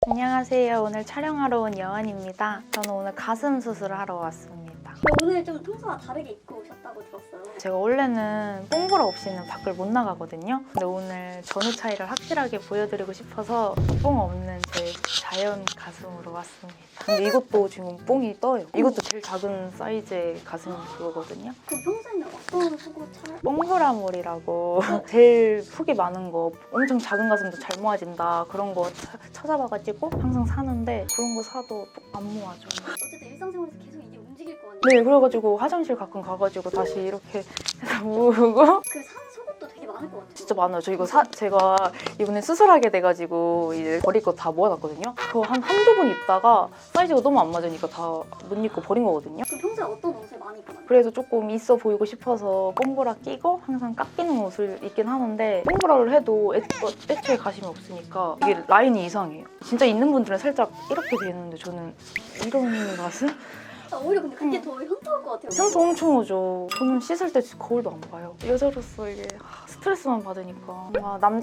안녕하세요. 오늘 촬영하러 온 여원입니다. 저는 오늘 가슴 수술을 하러 왔습니다. 오늘 좀 평소와 다르게 입고 오셨다고 들었어요. 제가 원래는 뽕보라 없이는 밖을 못 나가거든요. 근데 오늘 전후 차이를 확실하게 보여드리고 싶어서 뽕 없는 제 자연 가슴으로 왔습니다. 근데 이것도 지금 뽕이 떠요. 이것도 제일 작은 사이즈의 가슴 그거거든요. 그럼 평소에는 어떤 속옷 잘? 뽕보라몰이라고 제일 폭이 많은 거, 엄청 작은 가슴도 잘 모아진다 그런 거 찾아봐가지고 항상 사는데 그런 거 사도 안 모아져. 어쨌든 일상생활에서 계속 이게 움직일 거 아니에요? 네, 그래가지고 화장실 가끔 가가지고 다시 이렇게 해서 모으고 그 사는 속옷도 되게 많을 것 같아요. 진짜 많아요. 저 이거 제가 이번에 수술하게 돼가지고 이제 버릴 거 다 모아놨거든요. 그거 한두 번 입다가 사이즈가 너무 안 맞으니까 다 못 입고 버린 거거든요. 그럼 평소에 어떤 옷을 많이 입고 다녀요? 그래서 조금 있어 보이고 싶어서 뽕보라 끼고 항상 깎이는 옷을 입긴 하는데 뽕보라를 해도 애초에 가심이 없으니까 이게 라인이 이상해요. 진짜 있는 분들은 살짝 이렇게 되는데 저는 이런 가슴? 오히려 근데 그게 더 현타올 것 같아요. 현타 엄청 오죠. 저는 씻을 때 거울도 안 봐요. 여자로서 이게 스트레스만 받으니까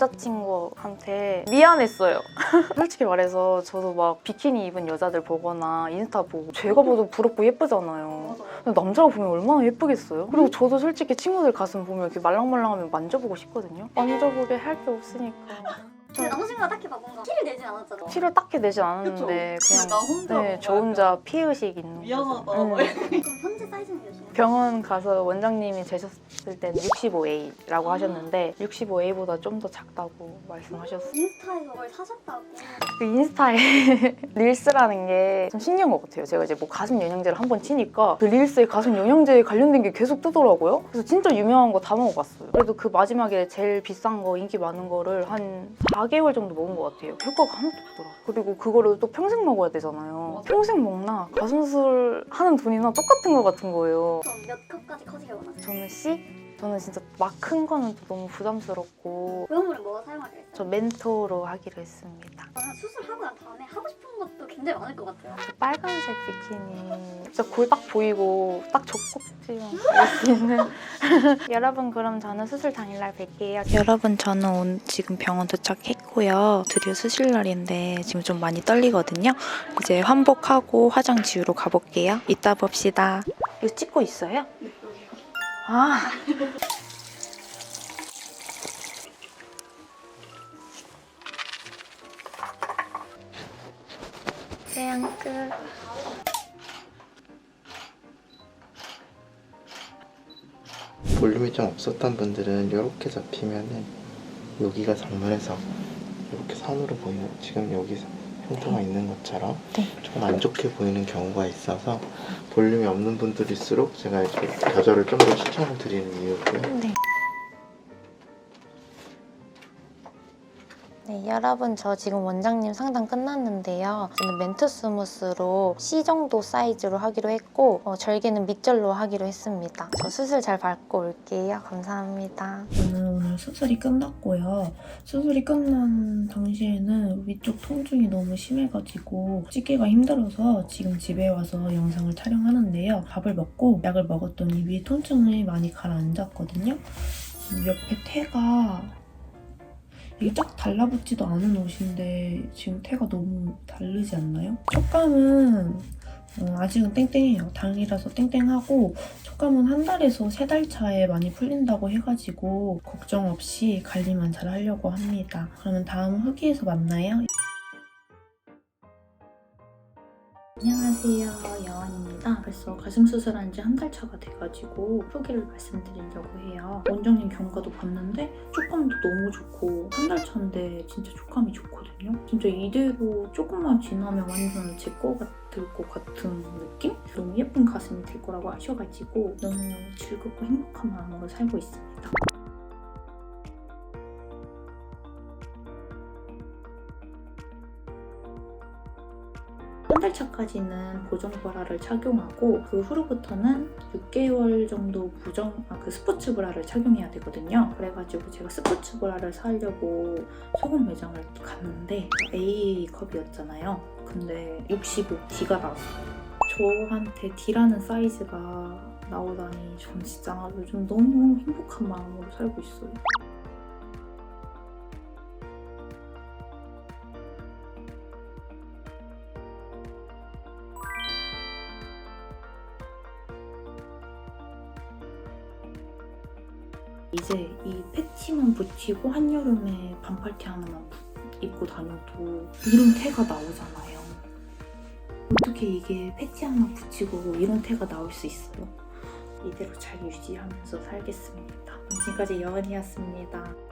남자친구한테 미안했어요. 솔직히 말해서 저도 막 비키니 입은 여자들 보거나 인스타 보고 제가 봐도 부럽고 예쁘잖아요. 근데 남자가 보면 얼마나 예쁘겠어요? 그리고 저도 솔직히 친구들 가슴 보면 이렇게 말랑말랑하면 만져보고 싶거든요. 만져보게 할 게 없으니까. 근데 남자친구가 딱히 막 뭔가 티를 내진 않았잖아. 티를 딱히 내진 않았는데 그쵸? 그냥 나 혼자 네, 저 혼자 피의식 있는 미안하다. 거죠. 막 그럼 현재 사이즈는 몇이에요? 병원 가서 원장님이 재셨을 때는 65A라고 하셨는데 65A보다 좀 더 작다고 말씀하셨어요. 인스타에서 뭘 사셨다고. 그 인스타에 릴스라는 게 좀 신기한 것 같아요. 제가 이제 뭐 가슴 영양제를 한번 치니까 그 릴스에 가슴 영양제에 관련된 게 계속 뜨더라고요. 그래서 진짜 유명한 거 다 먹어봤어요. 그래도 그 마지막에 제일 비싼 거, 인기 많은 거를 한 4개월 정도 먹은 것 같아요. 효과가 하나도 없더라. 그리고 그거를 또 평생 먹어야 되잖아요. 맞아. 평생 먹나? 가슴 수술 하는 돈이나 똑같은 것 같은 거예요. 그럼 몇 컵까지 커지게 원하세요? 저는 C? 저는 진짜 막 큰 거는 또 너무 부담스럽고 보형물은 뭐 사용하기로 했어요? 저 멘토로 하기로 했습니다. 저는 수술하고 난 다음에 하고 싶은 것도 굉장히 많을 것 같아요. 저 빨간색 비키니 진짜 골 딱 보이고 딱 젖꼭지만 보일 수 있는 여러분 그럼 저는 수술 당일날 뵐게요. 여러분 저는 지금 병원 도착했고요. 드디어 수술 날인데 지금 좀 많이 떨리거든요. 이제 환복하고 화장 지우러 가볼게요. 이따 봅시다. 이거 찍고 있어요? 아. 촬영 끝. 볼륨이 좀 없었던 분들은 이렇게 잡히면은 여기가 상문에서 이렇게 선으로 보이는 지금 여기 흉터가 있는 것처럼 네. 조금 안 좋게 보이는 경우가 있어서 볼륨이 없는 분들일수록 제가 이렇게 가저를 좀 더 추천을 드리는 이유고요. 네. 네, 여러분 저 지금 원장님 상담 끝났는데요. 저는 멘트 스무스로 C 정도 사이즈로 하기로 했고 절개는 밑절로 하기로 했습니다. 저 수술 잘 받고 올게요. 감사합니다. 저는 오늘 수술이 끝났고요. 수술이 끝난 당시에는 위쪽 통증이 너무 심해가지고 씻기가 힘들어서 지금 집에 와서 영상을 촬영하는데요. 밥을 먹고 약을 먹었더니 위에 통증이 많이 가라앉았거든요. 옆에 태가 이게 딱 달라붙지도 않은 옷인데 지금 태가 너무 다르지 않나요? 촉감은 아직은 땡땡해요. 당이라서 땡땡하고 촉감은 한 달에서 3달 차에 많이 풀린다고 해가지고 걱정 없이 관리만 잘 하려고 합니다. 그러면 다음 후기에서 만나요. 안녕하세요, 여원입니다. 벌써 가슴 수술한 지 한 달 차가 돼가지고 후기를 말씀드리려고 해요. 원장님 경과도 봤는데 촉감도 너무 좋고 한 달 차인데 진짜 촉감이 좋거든요. 진짜 이대로 조금만 지나면 완전 제 거 같을 것 같은 느낌? 너무 예쁜 가슴이 될 거라고 아셔가지고 너무 즐겁고 행복한 마음으로 살고 있습니다. 한 달 차까지는 보정 브라를 착용하고 그 후로부터는 6개월 정도 스포츠 브라를 착용해야 되거든요. 그래가지고 제가 스포츠 브라를 사려고 소금 매장을 갔는데 A컵이었잖아요. 근데 65D가 나왔어요. 저한테 D라는 사이즈가 나오다니 전 진짜 요즘 너무 행복한 마음으로 살고 있어요. 이제 이 패치만 붙이고 한여름에 반팔티 하나만 입고 다녀도 이런 태가 나오잖아요. 어떻게 이게 패치 하나 붙이고 이런 태가 나올 수 있어요? 이대로 잘 유지하면서 살겠습니다. 지금까지 여은이었습니다.